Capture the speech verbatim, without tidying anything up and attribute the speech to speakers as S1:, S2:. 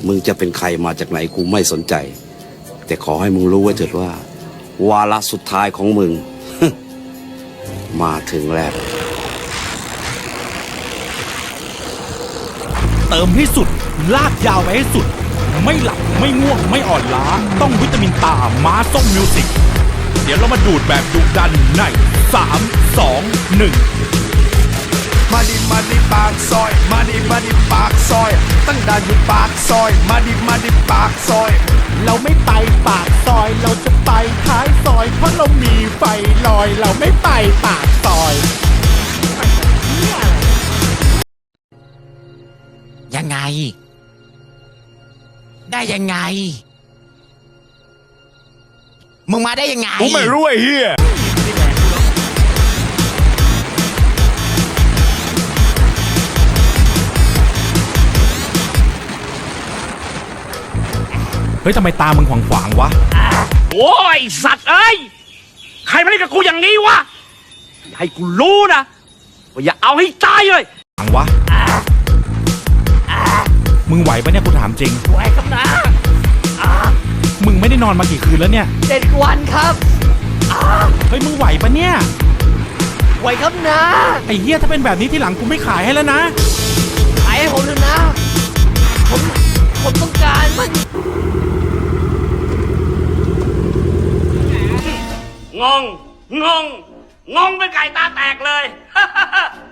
S1: มึงจะเป็นใครมาจากไหนกูไม่สนใจแต่ขอให้มึงรู้ไว้เถิดว่าวาระสุดท้ายของมึง มาถึงแล้ว
S2: เติมให้สุดลากยาวไปให้สุดไม่หลับไม่ง่วงไม่อ่อนล้าต้องวิตามินตาม้าส้มมิวสิกเดี๋ยวเรามาดูดแบบดุดันในสาม สอง หนึ่ง
S3: มาดิมาดิปากซอยมาดิมาดิปากซอยตั้งด่านอยู่ปากซอยมาดิมาดิปากซอย
S4: เราไม่ไปปากซอยเราจะไปท้ายซอยเพราะเรามีไฟลอยเราไม่ไปปากซอย
S5: ยังไงได้ยังไงมึงมาได้ยังไง
S3: กูไม่รู้ไอ้เหี้ย
S2: เฮ้ยทำไมตามึงขวางขวางวะ
S6: โอ้ยสัตว์เอ้ยใครมาเล่นกับกูอย่างนี้วะอย่าให้กูรู้นะว่าอย่าเอาให้ตายเลย
S2: ขวางวะมึงไหวปะเนี่ยกูถามจริง
S4: ไหวครับนะ
S2: มึงไม่ได้นอนมากี่คืนแล้วเนี่ย
S4: เจ็ดวันครับ
S2: เฮ้ยมึงไหวปะเนี่ย
S4: ไหวครับนะ
S2: ไอ้เหี้ยถ้าเป็นแบบนี้ที่หลังกูไม่ขายให้แล้วนะ
S4: ขายให้ผมเลยนะผมผมต้องการมัน
S6: งงงงงงเป็นไก่ตาแตกเลย